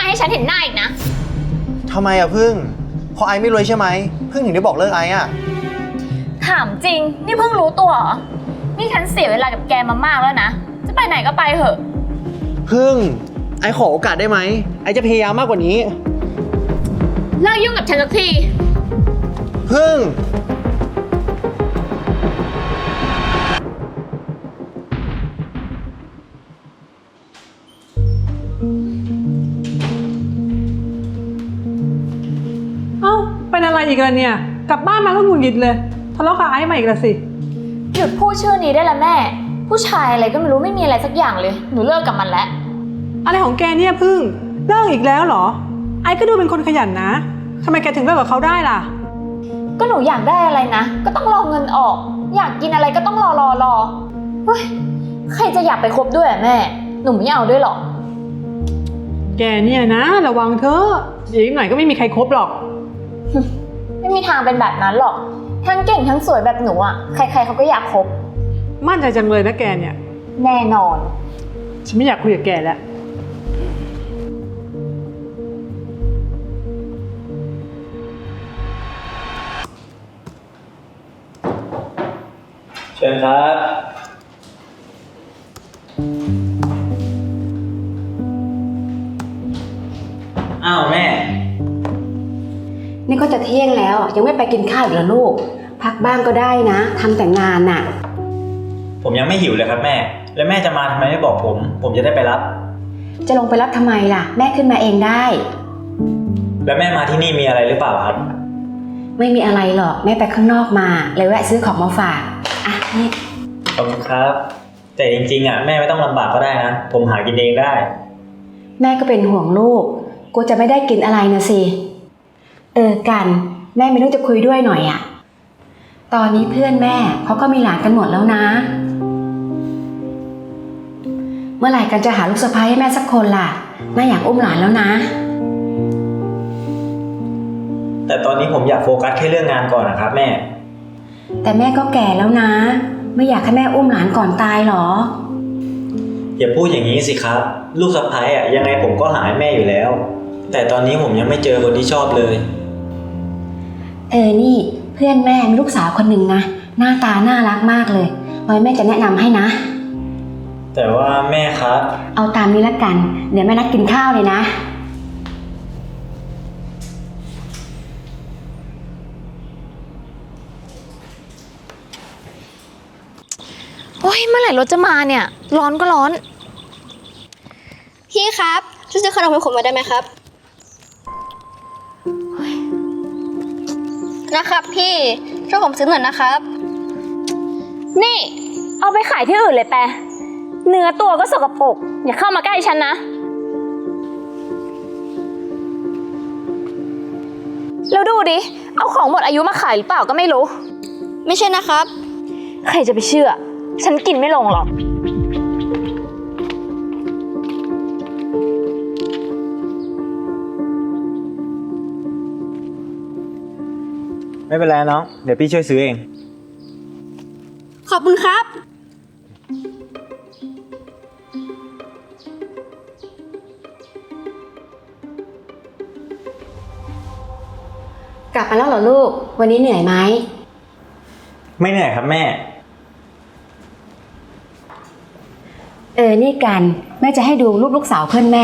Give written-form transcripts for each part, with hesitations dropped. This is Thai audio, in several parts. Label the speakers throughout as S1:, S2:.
S1: ให้ฉันเห็นหน้าอีกนะ
S2: ทำไมอะพึ่งพอไอไม่รวยใช่ไหมพึ่งถึงได้บอกเลิกไออะ
S1: ถามจริงนี่เพิ่งรู้ตัวเหรอนี่ฉันเสียเวลากับแกมามากแล้วนะจะไปไหนก็ไปเถอะ
S2: พึ่งไอขอโอกาสได้ไหมไอจะพยายามมากกว่านี้
S1: เลิกยุ่งกับฉันสักที
S2: พึ่ง
S3: เป็นอะไรอีกล่ะเนี่ยกลับบ้านมาก็หงุดหงิดเลยทะเลาะกับไอ้มาอีกแล้วสิ
S1: หยุดพูดชื่อนี้ได้แล้วแม่ผู้ชายอะไรก็ไม่รู้ไม่มีอะไรสักอย่างเลยหนูเลิกกับมันแล้ว
S3: อะไรของแกเนี่ยพึ่งเลิกอีกแล้วเหรอไอ้ก็ดูเป็นคนขยันนะทำไมแกถึงเลิกกับเขาได้ล่ะ
S1: ก็หนูอยากได้อะไรนะก็ต้องรอเงินออกอยากกินอะไรก็ต้องรอเฮ้ยใครจะอยากไปคบด้วยแม่หนูไม่เอาด้วยหรอก
S3: แกเนี่ยนะระวังเถอะเดี๋ยวอีกหน่อยก็ไม่มีใครคบหรอก
S1: ไม่มีทางเป็นแบบนั้นหรอกทั้งเก่งทั้งสวยแบบหนูอ่ะใครๆเขาก็อยากคบ
S3: มั่นใจจังเลยนะแกเนี่ย
S1: แน่นอน
S3: ฉันไม่อยากคุยกับแกแล้ว
S4: เชิญครับอ้าวแม่
S5: นี่ก็จะเที่ยงแล้วยังไม่ไปกินข้าวอีกเหรอลูกพักบ้างก็ได้นะทำแต่งานน่ะ
S4: ผมยังไม่หิวเลยครับแม่แล้วแม่จะมาทำไมไม่บอกผมจะได้ไปรับ
S5: จะลงไปรับทำไมล่ะแม่ขึ้นมาเองได้
S4: แล้วแม่มาที่นี่มีอะไรหรือเปล่าครับ
S5: ไม่มีอะไรหรอกแม่ไปข้างนอกมาเลยแวะซื้อของมาฝากอ่ะนี่
S4: ขอบคุณครับแต่จริงๆแม่ไม่ต้องลำบากก็ได้นะผมหากินเองได้
S5: แม่ก็เป็นห่วงลูกกูจะไม่ได้กินอะไรนะสิกันแม่มีเรื่องจะคุยด้วยหน่อยอ่ะตอนนี้เพื่อนแม่เขาก็มีหลานกันหมดแล้วนะเมื่อไหร่กันจะหาลูกสะใภ้ให้แม่สักคนล่ะแม่อยากอุ้มหลานแล้วนะ
S4: แต่ตอนนี้ผมอยากโฟกัสแค่เรื่องงานก่อนนะครับแม่
S5: แต่แม่ก็แก่แล้วนะไม่อยากให้แม่อุ้มหลานก่อนตายหรอ
S4: อย่าพูดอย่างนี้สิครับลูกสะใภ้ยังไงผมก็หาให้แม่อยู่แล้วแต่ตอนนี้ผมยังไม่เจอคนที่ชอบเลย
S5: นี่เพื่อนแม่มีลูกสาวคนหนึ่งนะหน้าตาน่ารักมากเลยไว้แม่จะแนะนำให้นะ
S4: แต่ว่าแม่ครับ
S5: เอาตามนี้ละกันเดี๋ยวแม่นัดกินข้าวเลยนะ
S1: โอ้ยเมื่อไหร่รถจะมาเนี่ยร้อนก็ร้อน
S6: พี่ครับช่วยซื้อขนมให้ผมมาได้ไหมครับนะครับพี่ช่วยผมซื้อหน่อยนะครับ
S1: นี่เอาไปขายที่อื่นเลยแปะเนื้อตัวก็สกปรกอย่าเข้ามาใกล้ฉันนะแล้วดูดิเอาของหมดอายุมาขายหรือเปล่าก็ไม่รู้
S6: ไม่ใช่นะครับ
S1: ใครจะไปเชื่อฉันกินไม่ลงหรอก
S4: ไม่เป็นไรน้องเดี๋ยวพี่ช่วยซื้อเอง
S6: ขอบคุณครับ
S5: กลับมาแล้วเหรอลูกวันนี้เหนื่อยไหม
S4: ไม่เหนื่อยครับแม่
S5: นี่กันแม่จะให้ดูรูปลูกสาวเพื่อนแม่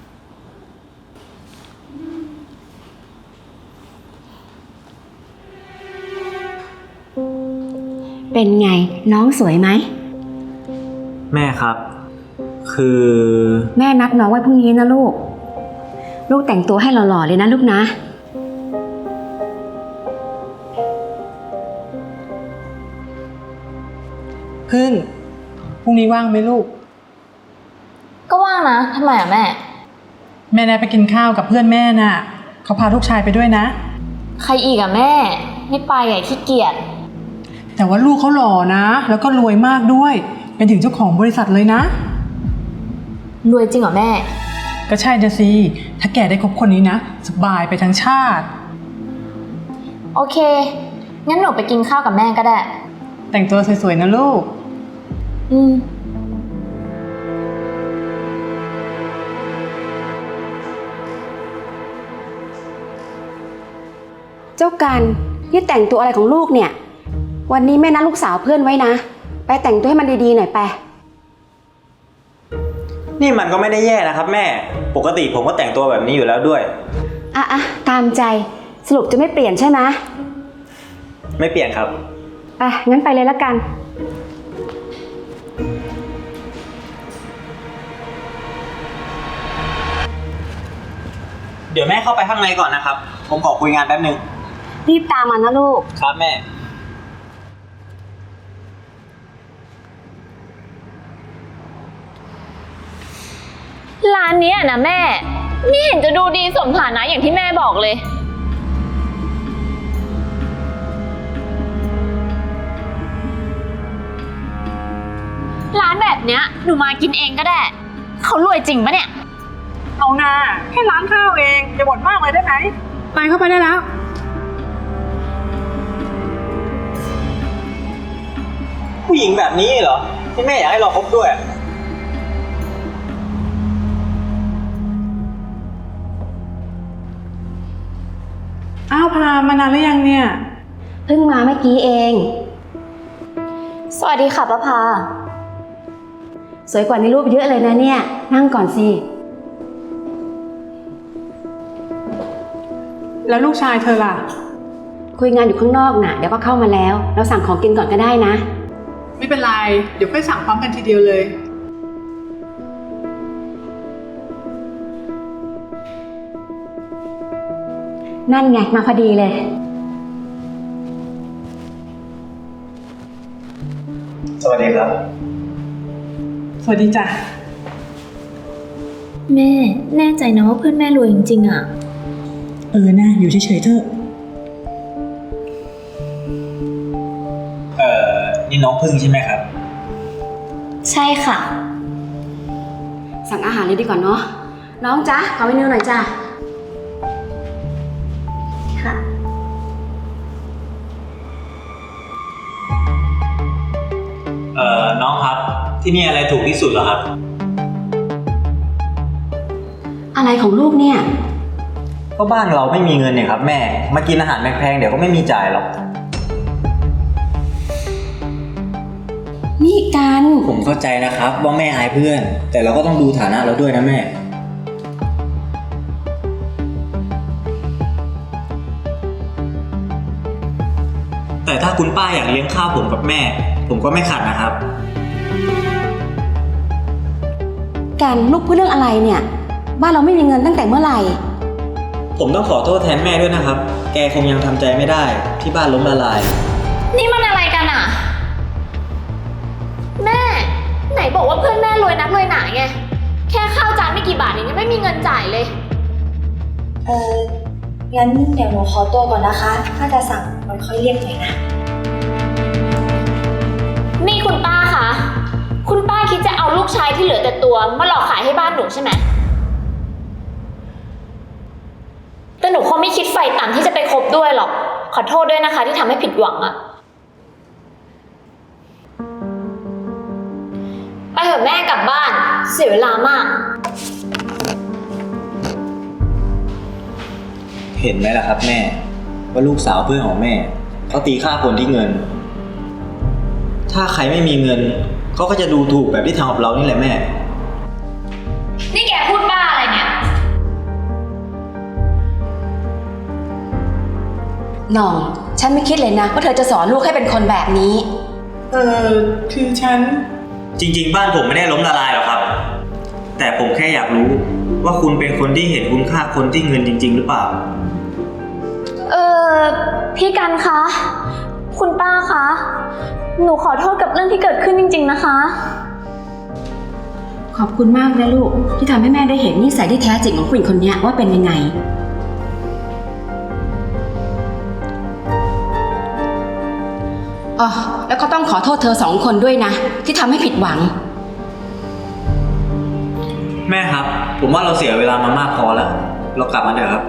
S5: เป็นไงน้องสวยไหม
S4: แม่ครับคือ
S5: แม่นัดน้องไว้พรุ่งนี้นะลูกแต่งตัวให้หล่อๆเลยนะลูกนะ
S3: พึ่งพรุ่งนี้ว่างไหมลูก
S1: ก็ว่างนะทำไมแม่
S3: แม่แนไปกินข้าวกับเพื่อนแม่น่ะเขาพาลูกชายไปด้วยนะ
S1: ใครอีกแม่ไม่ไปขี้เกียจ
S3: แต่ว่าลูกเขาหล่อนะแล้วก็รวยมากด้วยเป็นถึงเจ้าของบริษัทเลยนะ
S1: รวยจริงเหรอแม่
S3: ก็ใช่จะสิถ้าแกได้คบคนนี้นะสบายไปทั้งชาติ
S1: โอเคงั้นหนูไปกินข้าวกับแม่ก็ได้
S3: แต่งตัวสวยๆนะลูก
S5: จ้ากันนี่แต่งตัวอะไรของลูกเนี่ย วันนี้แม่นัดลูกสาวเพื่อนไว้นะ ไปแต่งตัวให้มันดีๆหน่อยไป
S4: นี่มันก็ไม่ได้แย่นะครับแม่ ปกติผมก็แต่งตัวแบบนี้อยู่แล้วด้วย
S5: อ่ะตามใจสรุปจะไม่เปลี่ยนใช่ไหม
S4: ไม่เปลี่ยนครับ
S5: ไปงั้นไปเลยละกัน
S4: เดี๋ยวแม่เข้าไปข้างในก่อนนะครับ ผมขอคุยงานแป๊บนึง
S5: รีบตามมานะลูก
S4: ครับแม่
S1: ร้านเนี้ยนะแม่ไม่เห็นจะดูดีสมฐานะอย่างที่แม่บอกเลย ร้านแบบเนี้ยหนูมากินเองก็ได้ เขารวยจริงปะเนี่ย
S3: เอานาแค่ร้านข้าวเองอย่าบ่นมากเลยได้ไหมไปเข้าไปได้แล้ว
S4: ผู้หญิงแบบนี้เหรอที่แม่อยากให้เราคบด้วย
S3: อ้าวพามานานหรือยังเนี่ย
S5: เพิ่งมาเมื่อกี้เอง
S1: สวัสดีค่ะป้าพา
S5: สวยกว่าในรูปเยอะเลยนะเนี่ย นั่งก่อนสิ
S3: แล้วลูกชายเธอล่ะ
S5: คุยงานอยู่ข้างนอกน่ะ เดี๋ยวก็เข้ามาแล้ว เราสั่งของกินก่อนก็ได้นะ
S3: ไม่เป็นไร เดี๋ยวค่อยสั่งพร้อมกันทีเดียวเลย
S5: นั่นไงมาพอดีเลย
S4: สวัสดีครับ
S3: สวัสดีจ้ะ
S1: แม่แน่ใจนะว่าเพื่อนแม่รวยจริงๆอ่ะ
S3: นะอยู่เฉยๆเถอะ
S4: นี่น้องพึ่งใช่ไหมครับ
S1: ใช่ค่ะ
S5: สั่งอาหารเลยดีกว่าเนาะ น้องจ๊ะขอเมนูหน่อยจ้ะ
S1: ค่ะ
S4: น้องครับ ที่นี่อะไรถูกที่สุดเหรอครับ
S5: อะไรของลูกเนี่ย
S4: ก็บ้านเราไม่มีเงินเนี่ยครับแม่ มากินอาหารแพงๆเดี๋ยวก็ไม่มีจ่ายหรอก
S5: นี่กัน
S4: ผมเข้าใจนะครับว่าแม่อายเพื่อน แต่เราก็ต้องดูฐานะเราด้วยนะแม่ แต่ถ้าคุณป้าอยากเลี้ยงข้าวผมกับแม่ ผมก็ไม่ขัดนะครับ
S5: กันลูกพูดเรื่องอะไรเนี่ย บ้านเราไม่มีเงินตั้งแต่เมื่อไหร่
S4: ผมต้องขอโทษแทนแม่ด้วยนะครับ แกคงยังทำใจไม่ได้ที่บ้านล้มละลาย
S1: นี่มันอะไรกันอ่ะ แม่ ไหนบอกว่าเพื่อนแม่รวยนักรวยหนาไง แค่ข้าวจานไม่กี่บาทเองยังไม่มีเงินจ่ายเลย
S6: งั้นเดี๋ยวหนูขอตัวก่อนนะคะ ถ้าจะสั่งมันค่อยเรียกหน่อยนะ
S1: นี่คุณป้าคะ คุณป้าคิดจะเอาลูกชายที่เหลือแต่ตัวมาหลอกขายให้บ้านหนูใช่ไหม แต่หนูคงไม่คิดไฟต่ำที่จะไปคบด้วยหรอก ขอโทษด้วยนะคะที่ทำให้ผิดหวังอะไปเถอะแม่กลับบ้าน เสียเวลามาก
S4: เห็นไหมล่ะครับแม่ ว่าลูกสาวเพื่อนของแม่เขาตีค่าคนที่เงิน ถ้าใครไม่มีเงินเขาก็จะดูถูกแบบที่ทำกับเรานี่แหละแม่
S1: นี่แกพูดบ้าอะไรเนี่ย
S5: หน่อง ฉันไม่คิดเลยนะว่าเธอจะสอนลูกให้เป็นคนแบบนี้
S3: คือฉัน
S4: จริงๆบ้านผมไม่ได้ล้มละลายหรอกครับ แต่ผมแค่อยากรู้ว่าคุณเป็นคนที่เห็นคุณค่าคนที่เงินจริงๆหรือเปล่า
S1: พี่กันคะ คุณป้าคะ หนูขอโทษกับเรื่องที่เกิดขึ้นจริงๆนะคะ
S5: ขอบคุณมากนะลูกที่ทำให้แม่ได้เห็นนิสัยที่แท้จริงของผู้หญิงคนนี้ว่าเป็นยังไง อ๋อ แล้วก็ต้องขอโทษเธอสองคนด้วยนะ ที่ทำให้ผิดหวัง
S4: แม่ครับ ผมว่าเราเสียเวลามามากพอแล้ว เรากลับมาเถอะครับ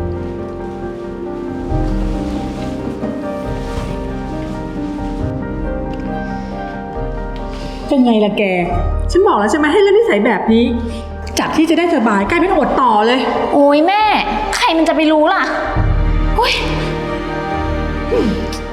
S3: เป็นไงล่ะแก ฉันบอกแล้วใช่ไหมให้เล่นนิสัยแบบนี้ จากที่จะได้สบายกลายเป็นอดต่อเลย
S1: โอ้ยแม่ ใครมันจะไปรู้ล่ะโอ้ยม